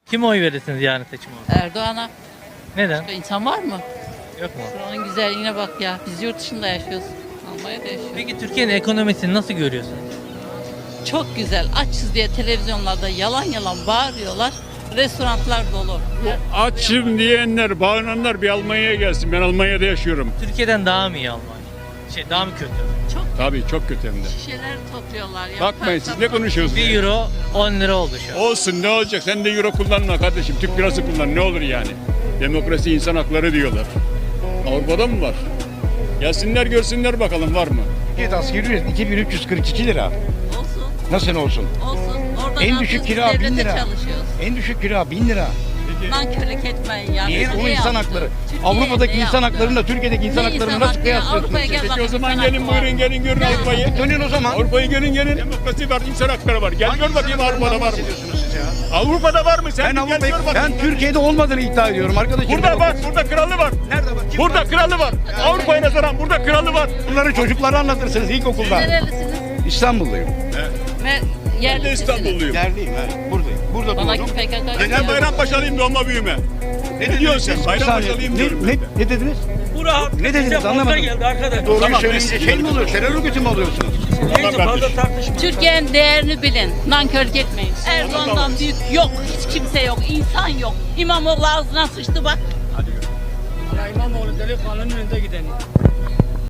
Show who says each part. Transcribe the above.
Speaker 1: Kime oy verirsiniz yarın seçim olur?
Speaker 2: Erdoğan'a.
Speaker 1: Neden?
Speaker 2: İnsan var mı?
Speaker 1: Yok mu?
Speaker 2: Buranın güzelliğine bak ya. Biz yurt dışında yaşıyoruz. Almanya'da yaşıyoruz.
Speaker 1: Peki Türkiye'nin ekonomisini nasıl görüyorsunuz?
Speaker 2: Çok güzel. Açız diye televizyonlarda yalan yalan bağırıyorlar. Restoranlar dolu.
Speaker 3: Açım diyenler, bağıranlar bir Almanya'ya gelsin. Ben Almanya'da yaşıyorum.
Speaker 1: Türkiye'den daha mı iyi Almanya? Daha mı kötü?
Speaker 2: Çok
Speaker 3: Tabii çok kötü hem de.
Speaker 2: şişeler topluyorlar ya.
Speaker 3: Bakmayın siz ne konuşuyorsunuz?
Speaker 1: 1 euro 10 lira oldu şu an.
Speaker 3: Olsun ne olacak? Sen de euro kullanma kardeşim. Türk lirası kullan ne olur yani. Demokrasi insan hakları diyorlar. Avrupa'da mı var? Gelsinler görsünler bakalım var mı?
Speaker 4: Evet, asgari ücret 2342 lira.
Speaker 2: Olsun.
Speaker 4: Nasıl olsun?
Speaker 2: Olsun. Orada
Speaker 4: En
Speaker 2: ne
Speaker 4: düşük
Speaker 2: yapıyoruz?
Speaker 4: kira 1000
Speaker 2: Devlete
Speaker 4: lira.
Speaker 2: çalışıyoruz.
Speaker 4: En düşük kira 1000 lira.
Speaker 2: Nankörlük etmeyin ya.
Speaker 4: Niye?
Speaker 2: Bize
Speaker 4: O
Speaker 2: ne
Speaker 4: insan
Speaker 2: yaptı?
Speaker 4: hakları.
Speaker 2: Türkiye'ye
Speaker 4: Avrupa'daki
Speaker 2: ne
Speaker 4: insan
Speaker 2: yaptı?
Speaker 4: haklarıyla Türkiye'deki insan
Speaker 2: Ne
Speaker 4: haklarını
Speaker 2: insan
Speaker 4: nasıl
Speaker 2: hakkı ya?
Speaker 4: kıyaslıyorsunuz?
Speaker 2: Avrupa'ya gel
Speaker 3: Peki
Speaker 2: bak,
Speaker 3: o zaman
Speaker 2: insan
Speaker 3: gelin
Speaker 2: hakkı var.
Speaker 3: buyurun gelin
Speaker 2: Ya.
Speaker 3: Avrupa'yı.
Speaker 4: Dönün o zaman.
Speaker 3: Avrupa'yı gelin. Demokrasi var, insan hakları var. Gel gör bakayım Avrupa'da var mı? Avrupa'da var mı? Sen
Speaker 4: Ben
Speaker 3: bir gel gör bakayım.
Speaker 4: Ben Türkiye'de olmadığını iddia ediyorum arkadaşım.
Speaker 3: Burada bak, burada kralı var.
Speaker 4: Nerede bak? Kim
Speaker 3: Burada
Speaker 4: var?
Speaker 3: kralı var. Avrupa'ya nazaran burada kralı var.
Speaker 4: Bunları çocuklara anlatırsınız ilkokulda.
Speaker 2: Nerelisiniz?
Speaker 4: İstanbulluyum.
Speaker 2: Ve
Speaker 3: Ben de
Speaker 2: yerlisiniz.
Speaker 3: İstanbulluyum.
Speaker 4: Yerdeyim ha. Buradayım. Burada
Speaker 2: Bana
Speaker 4: doğdum.
Speaker 2: PKK.
Speaker 3: Ben Bayrampaşalıyım doğma büyüme. Ne diyorsun sen?
Speaker 4: Bir saniye.
Speaker 3: Bayrampaşalıyım diyorum ben de.
Speaker 4: Ne dediniz?
Speaker 5: Bura
Speaker 4: Ne dediniz anlamadım.
Speaker 5: geldi arkadaş.
Speaker 4: Doğruyu
Speaker 3: Tamam,
Speaker 4: söyleyince şey mi oluyor? Terör örgütü mü oluyorsunuz?
Speaker 5: Neyse fazla tartışma.
Speaker 2: Türkiye'nin değerini bilin. Nankörlük etmeyin. Erdoğan'dan büyük yok. Hiç kimse yok. İnsan yok. İmamoğlu ağzına sıçtı bak.
Speaker 5: İmamoğlu delikanlının önünde gideni.